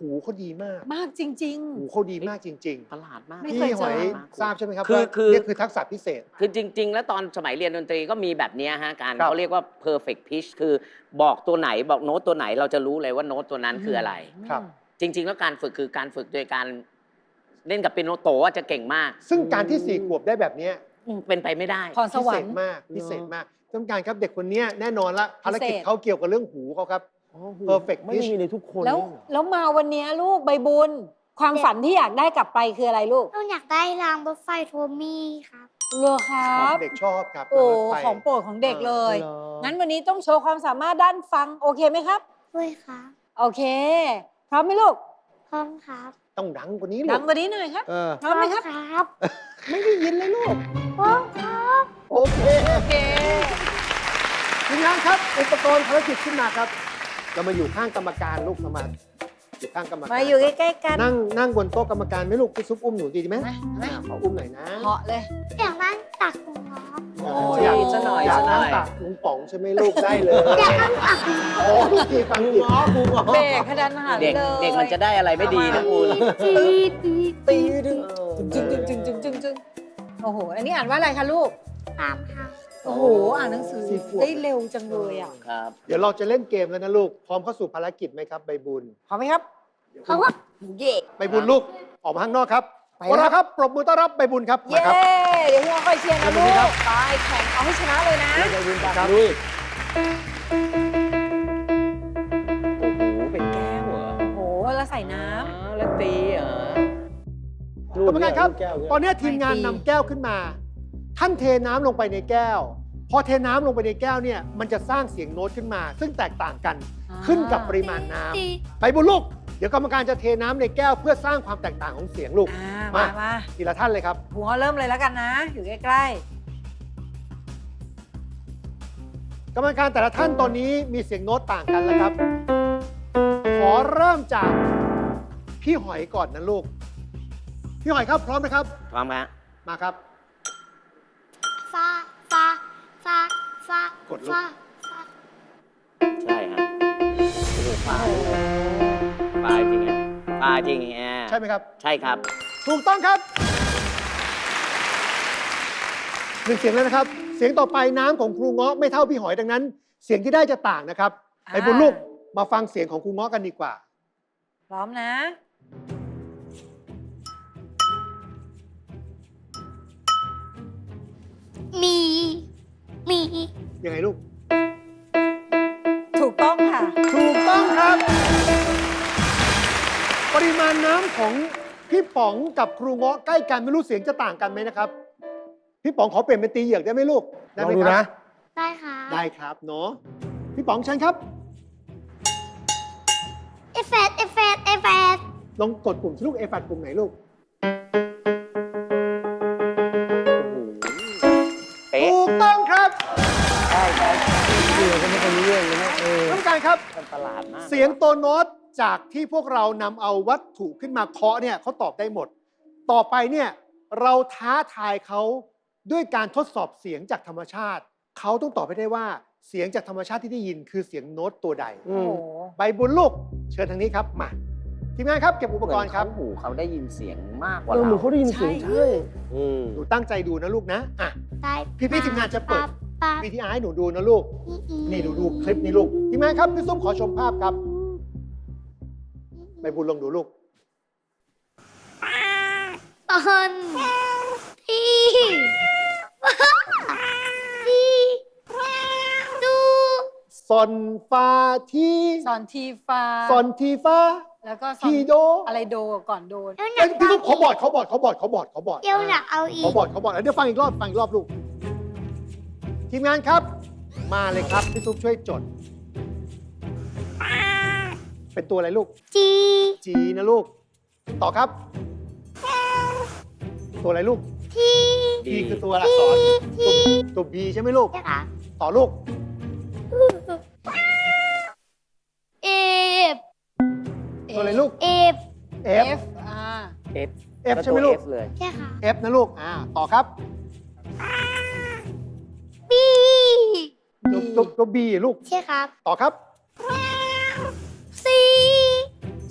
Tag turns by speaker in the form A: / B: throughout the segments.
A: หูเขาดีมาก
B: มากจริง
A: หูเขาดีมากจริง
C: ประหลาดมาก
B: ไม่
A: ๆ
B: เคย
A: พี่หอย
B: เจอ
A: ทราบใช่ไหมครับ
C: คือ
A: ว่า
C: คือ
A: นี่คือทักษะพิเศษ
C: คือจริง ๆ แล้วตอนสมัยเรียนดนตรีก็มีแบบเนี้ยฮะการ
A: ครับ
C: เขาเรียกว่า perfect pitch คือบอกตัวไหนบอกโน้ตตัวไหนเราจะรู้เลยว่าโน้ตตัวนั้นคืออะไร
A: ครับ
C: จริง ๆ แล้วการฝึกคือการฝึกโดยการเล่นกับเปียโนโตว่าจะเก่งมาก
A: ซึ่งการที่4 ขวบได้แบบเนี้ย
C: เป็นไปไม่ได้
B: พรส
A: พิ
B: วร
A: เศ
B: ร
A: ษ
B: ค์
A: มากพิเศษมากท่านผู้การครับเด็กคนเนี้ยแน่นอนละภารกิจ
B: พิเศษ
A: เขาเกี่ยวกับเรื่องหูเขาครับ perfect
D: ไม่
A: pitch
D: มีในทุกคน
B: แล้ว
D: เลยเหรอ
B: แล้วมาวันเนี้ยลูกใบบุญ ความฝันที่อยากได้กลับไปคืออะไรลูก
E: หนูอยากได้รางรถไฟโทมี่ครับ
B: เลอครับ
A: เด็กชอบครับ
B: โอ้
A: รถไฟ
B: ของโปรดของเด็กเลย
D: เหรอ
B: งั้นวันนี้ต้องโชว์ความสามารถด้านฟังโอเคไหมครับ
E: ด้วยครับ
B: โอเค พร้อมไหมลูก
E: พร้อมครับ
A: ต้องดังกว่านี้ลู
B: ดั
A: ก
B: งกว่านี้หน่อยครับ พร้อมไหมครับ
E: ครับ
A: ไม่ได้ยินเลยลูก
E: พร้อมครับ
A: โอเค
B: โอเค
A: ทีมงานครับ อุปกรณ์ภารกิจขึ้นมาครับ เรามาอยู่ข้างกรรมการลูกเรามาอยู่ข้างกรรมการ
B: มาอยู่ใกล้ๆกัน
A: นั่งบนโต๊ะกรรมการไหมลูกพี่ซุปอุ้มหนูดีไหม
B: ไหม
A: ขออุ้มหน่อยนะ
B: เหาะเลย
E: อยากนั่งตักคุณน้อง
B: โอ้
A: อยาก
C: ซะหน่อย
A: อยาก
C: ซะหน่
A: นั่
C: อง ย
A: ตักลุงป๋องใช่ไหมลูกได้เลย
E: อยากนั่งตักคุณน้อง
A: โอ้ลูกทีฟังผิด
B: เบรกขนาดหัน
C: เด็ก
B: เลย
C: เด็กมันจะได้อะไรไม่ดีนะคุณ
B: ตีดึงจึงจึงจึงจึงจึงจึงโอ้โห อันนี้อ่านว่าอะไรคะลูก
E: ตามครับ
B: โอ้โห อ่านหนังสือได้เร็วจังเลยอ่ะ
C: ครับ
A: เดี๋ยวเราจะเล่นเกมแล้วนะลูก พร้อมเข้าสู่ภารกิจไหมครับใบบุญ
B: พร้อมไหมครับ
E: เพราะว่า
B: เย่
A: ใบบุญลูก ออกมาข้างนอกครับ
B: ไป
A: พวก
B: ครั
A: เรา
B: บ
A: ครับ ปรบมือต้อนรับใบบุญครับ
B: เย้
A: มาครับ
B: เดี๋ยวหัวคอยเชียร์นะ
A: ขอบคุ
B: ลู
A: ณ
B: ก
A: ครับ
B: ไปแข่งเอาให้ชนะเลยนะ
A: ครับ
D: ลุย
C: โอ้โห เป็นแก้วเหรอ
B: โอ้โห แล้วใส่น้
C: อ๋อแล้วตีเหรอ
A: กรรมการครับ
D: แก้วเนี่ย
A: ตอนนี้ทีมงานนำแก้วขึ้นมา ท่านเทน้ำลงไปในแก้ว พอเทน้ำลงไปในแก้วเนี่ย มันจะสร้างเสียงโน้ตขึ้นมา ซึ่งแตกต่างกัน
B: ำ
A: ขึ้นกับปริมาณน้ำใบบุญลูก เดี๋ยวกรรมการจะเทน้ำในแก้วเพื่อสร้างความแตกต่างของเสียงลูก
B: มา มา
A: ทีละท่านเลยครับ
B: หัวเริ่มเลยแล้วกันนะ อยู่ใกล้
A: กรรมการแต่ละท่านตอนนี้มีเสียงโน้ตต่างกันแล้วครับ ขอเริ่มจากพี่หอยก่อนนะลูก พี่หอยครับพร้อมนะครับ
C: พร้อมครับ
A: มาครับ
E: ฟาฟาฟาฟาก
A: ดลูก
E: ฟาฟา
C: ใช่ครับโอ้โหปลาปลาจริงอ่ะปลาจริงแอ
A: ใช่ไหมครับ
C: ใช่ครับ
A: ถูกต้องครับหนึ่งเสียงแล้วนะครับ เสียงต่อไปน้ำของครูเงาะไม่เท่าพี่หอยดังนั้น เสียงที่ได้จะต่างนะครับ
B: ๆ
A: ไปบุญลูกมาฟังเสียงของครูเงาะกันดีกว่า
B: พร้อมนะ
E: มี มี
A: ยังไงลูก
B: ถูกต้องค่ะ
A: ถูกต้องครับ ปริมาณน้ำของพี่ป๋องกับครูเงาะใกล้กันไม่รู้เสียงจะต่างกันไหมนะครับ พี่ป๋องขอเปลี่ยนเป็นตีเหยือกได้ไหมลูก
D: ล
A: ได้
D: อง
A: ไหม
D: ดู
A: ครั
D: นะ
A: บ
E: ได้ครับ
A: ได้ครับเนาะพี่ป๋องเชิญครับ
E: เอฟเฟดเอฟเฟดเอฟเฟด
A: ลองกดปุ่มสิลูกเอฟัดปุ่มไหนลูก
C: เป๊ะ
A: ถูกต้องครับ
C: ใช่ใช่
D: เดี๋ยวก็ไม่ค่อยรู้เรื่องเลยนะ
A: ท่านผู้การครับ
C: มันประหลาดมาก
A: เสียงตัวโน้ตจากที่พวกเรานำเอาวัตถุขึ้นมาเคาะเนี่ยเขาตอบได้หมด ต่อไปเนี่ยเราท้าทายเขาด้วยการทดสอบเสียงจากธรรมชาติ เขาต้องตอบให้ได้ว่าเสียงจากธรรมชาติที่ได้ยินคือเสียงโน้ตตัวใด
B: โอ้โห
A: ใบบุญลูก เชิญทางนี้ครับมาทีมงานครับเก็บอุปกรณ์ครับ
C: เหมือนเขาหูเขาได้ยินเสียงมากกว่า
D: เหมือน
C: เรา
D: เขาได้ยินเสียง
B: ใช่
D: ใช่
A: หนูตั้งใจดูนะลูกนะอ่ะ
E: ได้
A: พี่ๆทีมงานจะเปิด
E: ปั๊บ
A: วิธีอาร์ให้หนูดูนะลูก นี่ดูคลิปนี้ลูกทีมงานครับพี่ส้มขอชมภาพครับใบบุญลองดูลูก
E: ตอนที่ที่ดู
A: ซอนฟาที
B: สอนทีฟ้า
A: ซอนทีฟา
B: แล้วก็สอน
A: ทีโด
B: อะไรโดก่อนโดน
E: เดี๋ยวหนั
A: เอ้ย
E: ก
A: พี่ลูกเขาบอดเดี๋ยว
E: หนักเอาอี
A: เขา
E: ก
A: บอดเดี๋ยวฟังอีกรอบลูก ทีมงานครับ มาเลยครับพี่ซุปช่วยจด เป็นตัวอะไรลูก
E: จี
A: จีนะลูก ต่อครับ ตัวอะไรลูก
E: ที
A: บีคือตัวอักษรตัวบีใช่ไหมลูก
E: ใช่ค่ะ
A: ต่อลูก
E: เอฟ
A: ตัวอะไรลูก
E: เอฟ
A: F
B: F อ่า
C: F
A: F ใช่ไหมลูก
C: F เลย
E: ใช่ค่ะ
A: F นะลูกต่อครับ
E: บี
A: ตัว B ลูก
E: ใช่ครับ
A: ต่อครับ
E: ซี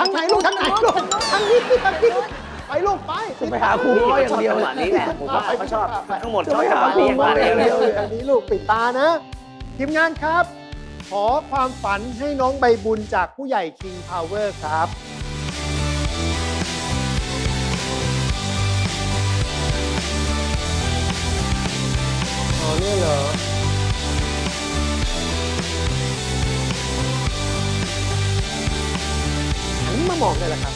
A: ทางไหนลูกทางไหนลูกทางนี้ทางนี้ไปลูกไป
D: ไปหาครูง้ออย่างเดียว
C: จังหวะนี้แหละผมว่าเขาชอบทั้งหมด
A: จะ
C: ชอบ
A: ไป
C: จังหะ
A: หาวครู
C: นี้
A: ง้อ
C: มา
A: อย่าง
C: เดี
A: เดี
C: ย
A: ยว วอันนี้ลูกปิดตานะ ทีมงานครับ ขอความฝันให้น้องใบบุญจากผู้ใหญ่ King Power ครับ อ๋อเนี่ยเหรอ หันมามองได้แล้วครับ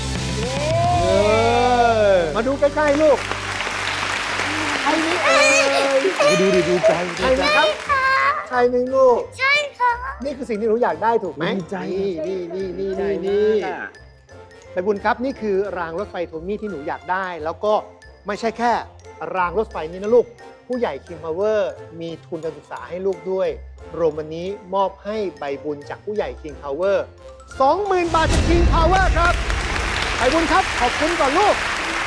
A: มาดูใกล้ๆลูกใช่ไหมเอ่ย
D: ดูดิดูใจ
A: ใช่ไหมครับใช่ไหมลูก
E: ใช่ค่ะ
A: นี่คือสิ่งที่หนูอยากได้ถูกไหม
D: ดีใจ
A: นี่ไปบุญครับนี่คือรางรถไฟโทมี่ที่หนูอยากได้ แล้วก็ไม่ใช่แค่รางรถไฟนี้นะลูก ผู้ใหญ่ King Power มีทุนการศึกษาให้ลูกด้วยรวมวันนี้มอบให้ใบบุญจากผู้ใหญ่ King Power 20,000 บาทจาก King Power ครับใบบุญครับขอบคุณก่อนลูก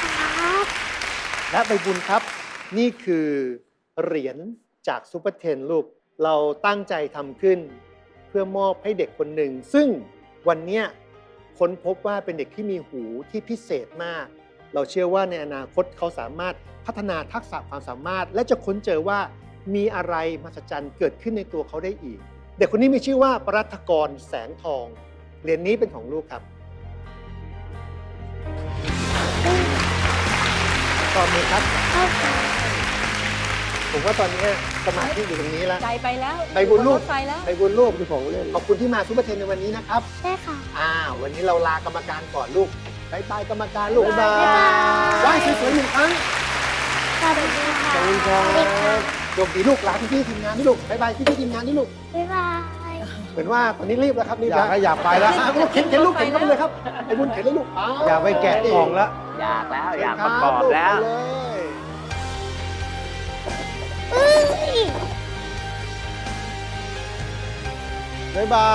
A: และใบบุญครับ นี่คือเหรียญจากซูเปอร์เทนลูก เราตั้งใจทำขึ้น เพื่อมอบให้เด็กคนหนึ่ง ซึ่งวันเนี้ยค้นพบว่าเป็นเด็กที่มีหูที่พิเศษมาก เราเชื่อว่าในอนาคตเขาสามารถพัฒนาทักษะความสามารถ และจะค้นเจอว่ามีอะไรมหัศจรรย์เกิดขึ้นในตัวเขาได้อีก เด็กคนนี้มีชื่อว่าปรัฐกรแสงทองเหรียญนี้เป็นของลูกครับตอนนี้ครับ ผมว่าตอนนี้สมาธิอยู่ตรงนี้แล้ว
B: ใจไปแล้ว
A: ไปบุญลูก
B: รถไฟแล้ว
A: ไปบุญลูก
D: ดูของเล่น
A: ขอบคุณที่มาซูเปอร์เทนในวันนี้นะครับ
E: ได้ค่ะ
A: วันนี้เราลากรรมการก่อนลูกบายบายกรรมการลูก
B: บ๊ายบาย
A: ไหว้สวยๆหนึ่งครั้ง
E: สวัสดีค่ะ
A: ขอบคุณครับโชคดีลูกลาพี่ๆทีมงานนี่ลูกบายบายพี่ๆทีมงานนี่ลูก
E: บ๊ายบาย
A: เหมือนว่าตอนนี้รีบแล้วครับรีบ
D: อยากให้อยากไปแล้ว
A: ลูกเข็นลูกเข็นเข้าไปเลยครับไอ้บุญเข็นเลยลูก
D: อยากไปแกะกล่องแล้ว
C: อยากแล้ว
A: เชิญ
C: อยาก
A: ค
C: ประกอบแล้ว
A: ลูกไปเลย
D: บ๊ายบาย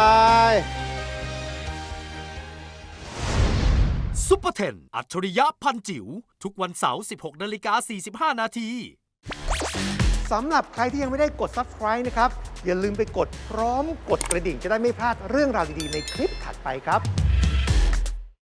F: ซุปเปอร์เทนอัจฉริยะพันจิ๋วทุกวันเสาร์ 16:45 นาที
A: สำหรับใครที่ยังไม่ได้กด Subscribe นะครับ อย่าลืมไปกดพร้อมกดกระดิ่งจะได้ไม่พลาดเรื่องราวดีๆในคลิปถัดไปครับ